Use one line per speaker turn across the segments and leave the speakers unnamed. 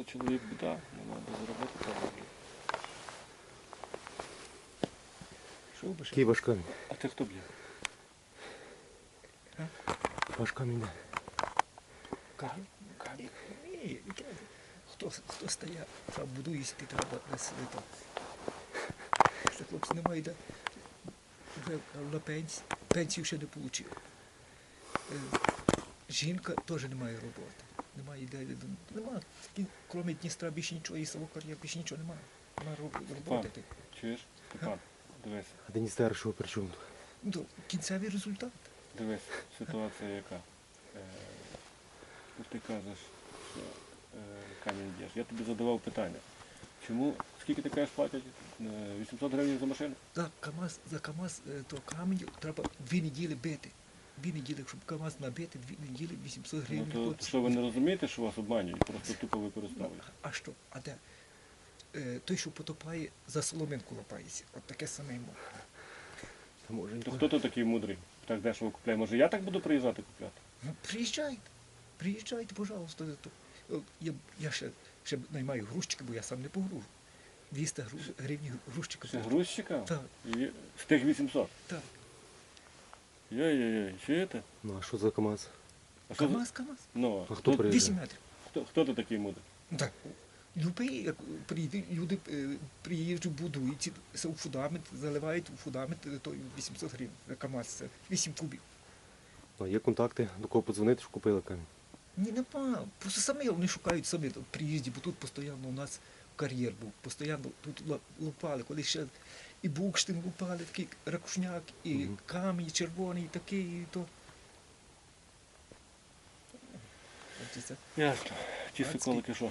чоловік біда, нема де заробити треба. Що би ще?
Який ваш камінь?
А це хто б'є?
Ваш камінь де?
Камінь.
Ні, хто стає, треба будуїсти, треба десь там. Що хлопці немає, де вже на пенсію ще не отримав. Жінка теж не має роботи. Немає ідеї. Немає. Крім Дністра більше нічого, і Савокар'я більше нічого немає. Немає роботи.
Чуєш? Степан, дивись.
А Деністер що при чому?
Ну, кінцевий результат.
Дивись, ситуація яка. Ти кажеш, що камінь б'єш. Я тобі задавав питання. Чому, скільки ти кажеш платять? 800 гривень за машину?
За КАМАЗ то камінь треба 2 неділі бити. 2 неділі, щоб КАМАЗ набити, 2 неділі 800 гривень.
Ну то що ви не розумієте, що вас обманюють, просто тупо використовують?
А що? А де? Той, що потопає, за соломинку лапається. От таке саме йому.
То хто тут такий мудрий? Так дешево купляє. Може я так буду приїжджати купляти?
Ну, приїжджайте, пожалуйста. Я ще наймаю грузчика, бо я сам не погружу. 200 гривень грузчика.
Це грузчика?
Так.
З тих 800?
Так.
Йой-йой-йой, чуєте?
Ну а що за КамАЗ?
А що за-
КАМАЗ.
Ну,
А хто приїжджає?
8 метрів.
хто тут такий мудрий?
Ну, так. Любий, люди приїжджають, будують, у фундамент, заливають у фундамент, то 800 гривень. КАМАЗ це 8 кубів.
А є контакти, до кого подзвонити, що купили камінь?
Ні, нема. Просто самі вони шукають самі в приїзді, бо тут постійно у нас кар'єр був. Постійно тут лупали, коли ще і Букштин лупали, такий ракушняк, і камінь червоний, і такий, і то.
Ясно. Ті соколики що?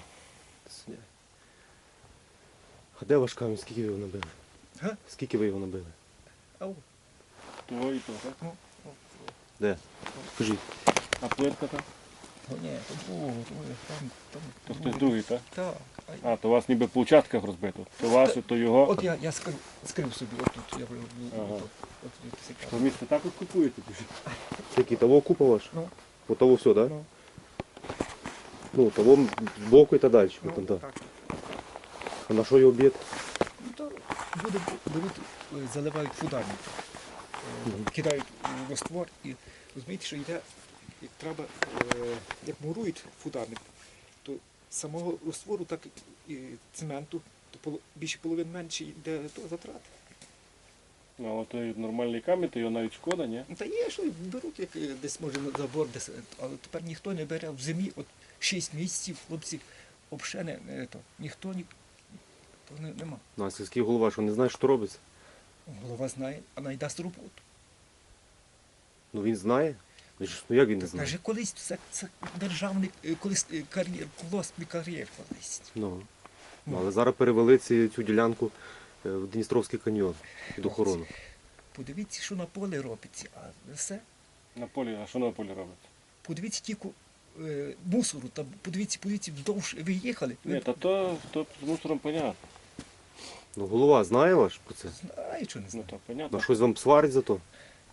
А де ваш камінь? Скільки ви його набили?
Га?
Скільки ви його набили?
Ау.
Того і того, так?
Де? Скажіть.
А плитка там?
О, ні, то було, там.
То хтось другий, так?
Так.
А, то у вас ніби по участках розбито. То ваше, то його.
От я скрив собі, отут, я
Ага.
от
То місце так от купуєте?
Який того купа ваш?
Ну.
По того все, так?
Ну.
Ну, того збоку і та далі.
Ну,
Там, так.
так.
А на що його б'єте?
Ну, то люди беруть, заливають фундамент, кидають у раствор і розумієте, що йде, як треба, як мурують фундамент, то самого раствору, так і цементу, то більше половини менше йде то затрат.
Ну, але той нормальний камінь, то його навіть шкода, ні?
Ну, та є, що беруть, як десь може на забор, десь, але тепер ніхто не бере в зимі, от 6 місяців, хлопці, взагалі ніхто нема.
Ну, а сільський голова, що не знає, що робиться?
Голова знає, а найдасть роботу.
Ну він знає. Ну як він не знає?
Каже, колись це державний, колись кар'єр, колосний кар'єр колись.
Ну. Але зараз перевели цю ділянку в Дністровський каньйон під охорону.
Подивіться, що на полі робиться, а все.
На полі, а що на полі робиться?
Подивіться тільки мусору, там, подивіться, вдовж ви їхали.
Ні, та то з мусором понятно.
Ну голова знає ваш про це?
Знаю, що не
Ну
знаю.
то понятно.
Ну щось вам сварить за то?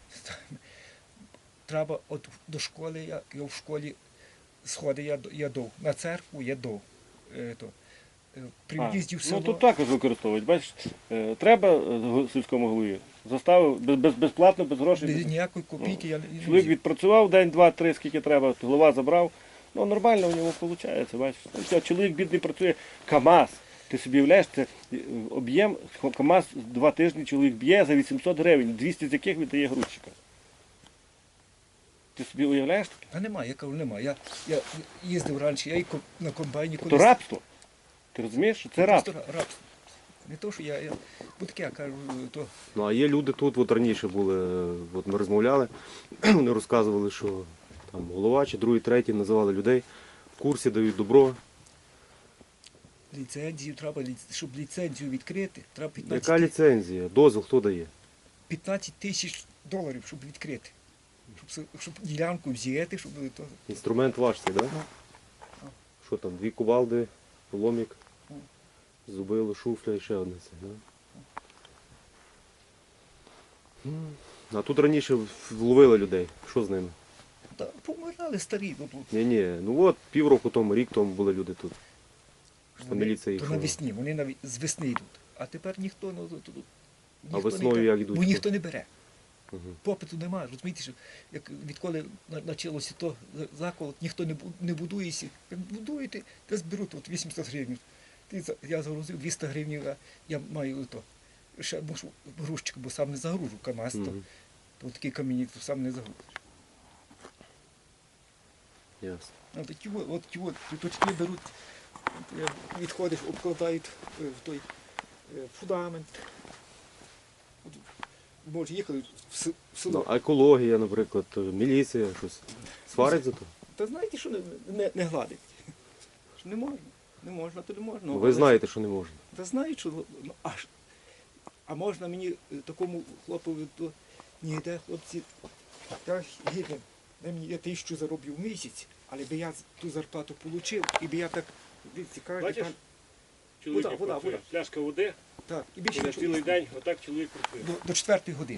Треба от до школи, я в школі сходи я дов, на церкву я дов. При в'їзді в село.
Ну тут також використовують. Бачиш, треба сільському голові. Заставив безплатно, без грошей.
Без ніякої копійки я не
Чоловік відпрацював день, два, три, скільки треба, голова забрав. Ну нормально у нього виходить, бачиш. Ну, чоловік бідний працює, КАМАЗ. Ти собі уявляєш, це об'єм, КАМАЗ 2 тижні чоловік б'є за 800 гривень, 200 з яких віддає грузчика. Ти собі уявляєш таке?
Та немає, я кажу, немає. Я їздив раніше, я і на комбайні
То рабство. Ти розумієш, що це рабство?
Рабство. Не то, що я бо таке, я кажу, то
Ну а є люди тут, от раніше були, от ми розмовляли, вони розказували, що там голова чи другий, третій називали людей, в курсі дають добро.
ліцензію треба, щоб ліцензію відкрити, треба
Яка ліцензія? Дозвіл хто дає?
15 тисяч доларів, щоб відкрити. Щоб ділянку взяти, щоб то.
Інструмент ваш цей, так? Да?
Ну.
Що там, 2 кувалди, ломік, зубило, шуфля і ще одне це, да? А тут раніше вловили людей. Що з ними?
Та помирали старі.
Ні, ну от півроку тому, рік тому були люди тут. Що міліція їх
то
що?
навесні, вони з весни йдуть. А тепер ніхто, ніхто
весною
не йде,
як йдуть?
бо ніхто не бере.
Мгм.
Попиту немає. Розумієте, що як відколи почалося то заколот, ніхто не будується. Як будуєте, то зберуть от 800 гривень. Я загрузив 200 гривень, а я маю то. Ще мушу грузчик, бо сам не загружу КАМАЗ,
Мгм.
то такі камінні, то сам не загрузиш.
Ясно.
А такі точки беруть, відходиш, обкладають в той фундамент. От, може, їхали в село.
Ну, а екологія, наприклад, міліція, щось сварить за то?
Та знаєте, що не гладить? Що не можна. Не можна, то не можна.
Ну, ви знаєте, що не можна.
Та знають, що а можна мені такому хлопові, то ніде, хлопці, я гідно, я 1000 зароблю в місяць, але би я ту зарплату отримав, і би я так, цікавий,
Бачиш?
там,
Чоловік
Вода, вода,
працює.
вода.
Пляшка води,
так, і більше
і на
нічого
цілий
не
день отак чоловік працює.
до 4 години.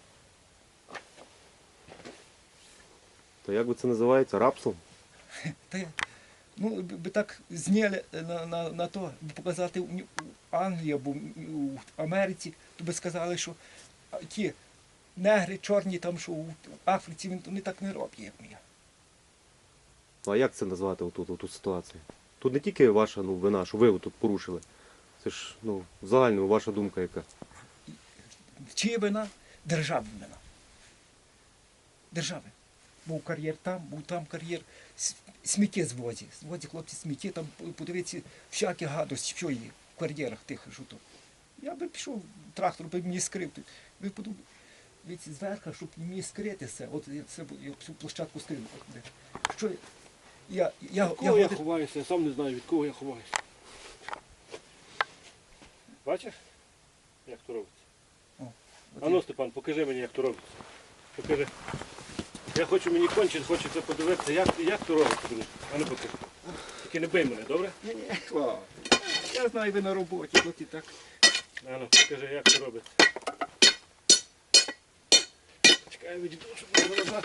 То як би це називається? Рабством?
Та я, би так зняли на то, показати в Англії або в Америці, то би сказали, що ті негри чорні там, що в Африці, вони так не роблять, як ми.
Ну, а як це назвати оту ситуацію? Тут не тільки ваша вина, що ви тут порушили. Це ж в загальному ваша думка яка.
Чия вина? Державна вина. Держави. Був кар'єр там, був там кар'єр. Сміття звозять. Звозять хлопці сміття, там подивіться, всякі гадості, що є в кар'єрах тих, що то. Я би пішов, трактор би мені скрив. Ви подумали, дивіться, зверху, щоб мені скрити все. От я всю площадку скрив. Що я
Кого я ховаюся? Я сам не знаю, від кого я ховаюся. Бачиш, як то робиться? А ну, Степан, покажи мені, як то робиться. Покажи. Я хочу, мені кончить, хочеться подивитися, як то робиться, друже. А ну покажи. Тільки не бий мене, добре?
Ні, я знаю, ви на роботі, от і так.
А ну, покажи, як то робиться. Чекай, я відійду, щоб не вилазати.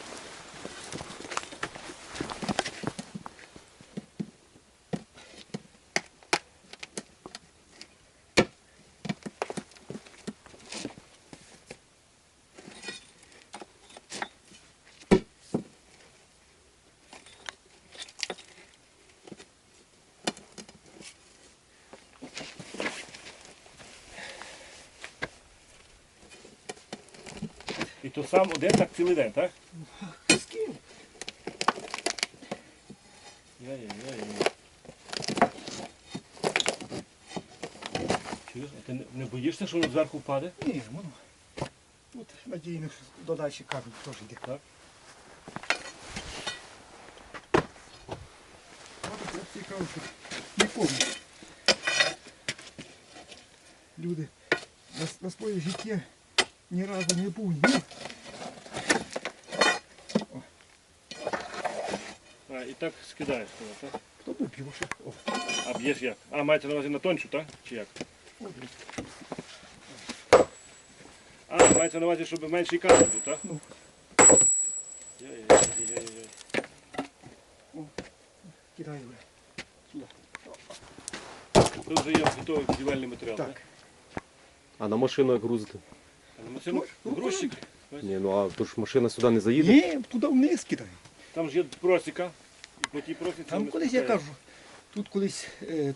І то сам один так цілий день, так?
З ким?
Яй-яй-яй. Чуєш, а ти не боїшся, що воно зверху впаде?
Ні, воно. Тут надійно, що додачі камінь теж йде.
Так.
От я цікаво, що не помню. Люди на своє життя ні разу не був. Ні.
А, і так скидаєш туди, так?
Хто був б'юше? О,
А б'єш як? А, мається на увазі на тончу, так? Чи як? А, мається на увазі, щоб менший камінь був, так?
Ну.
Яй-яй-яй-яй-яй.
кидаю. Сюди.
Тут вже є готовий будівельний матеріал, так?
Так.
А на машину як грузити?
А на машину грузчик.
Ні, а то ж машина сюди не заїде.
Ні, туди вниз кидаю.
Там ж є просіка. І по тій просіці
Там
вони
колись, я
спускають.
кажу, тут колись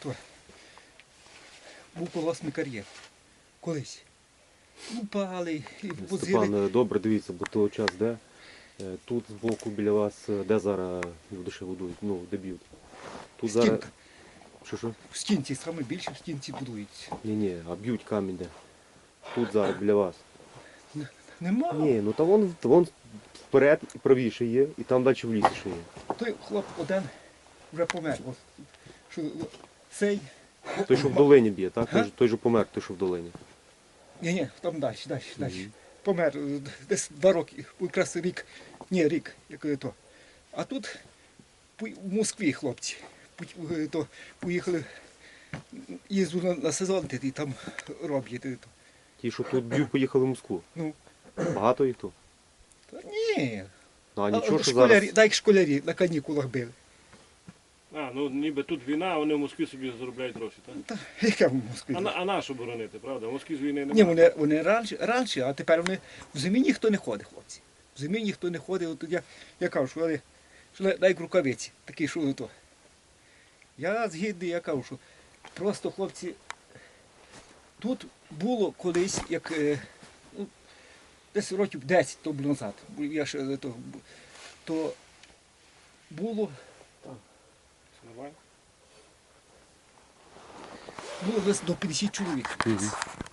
був колосний кар'єр. Колись. Упали і возили.
Степан, добре, дивіться, бо того час де. Тут збоку біля вас, де зараз люди ще будують, де б'ють. Тут зараз.
Стінка.
Що?
В стінці, саме більше в стінці будується.
Ні, а б'ють камінь де. Тут зараз біля вас.
Нема.
Ні, та вон вперед і правіше є, і там далі в лісі ще є.
Той хлоп один вже помер. Ось, що, цей.
Той, що в долині б'є, так?
Га?
Той же помер, той, що в долині.
Ні, там далі. Помер. Десь 2 роки, якраз рік. Ні, рік, як то. А тут в Москві хлопці. Поїхали, їздили на сезон, і там роблять.
Ті, що тут б'ють, поїхали в Москву.
Ну,
Багато їх тут.
та ні.
Ну, а нічого, що
школярі,
зараз.
так як школярі на канікулах били.
А, ну ніби тут війна, а вони в Москві собі заробляють гроші, так?
Та, яка в Москві?
А на що боронити, правда? В Москві з війни
Ні,
немає.
вони раніше, а тепер вони в зимі ніхто не ходить, хлопці. В зимі ніхто не ходить. От я кажу, що дай рукавиці, такі, що то. Я згідний, я кажу, що просто хлопці, тут було колись, як ну, десь років 10 тому назад, бо я ще то було
Нормально?
десь до 50 чоловік.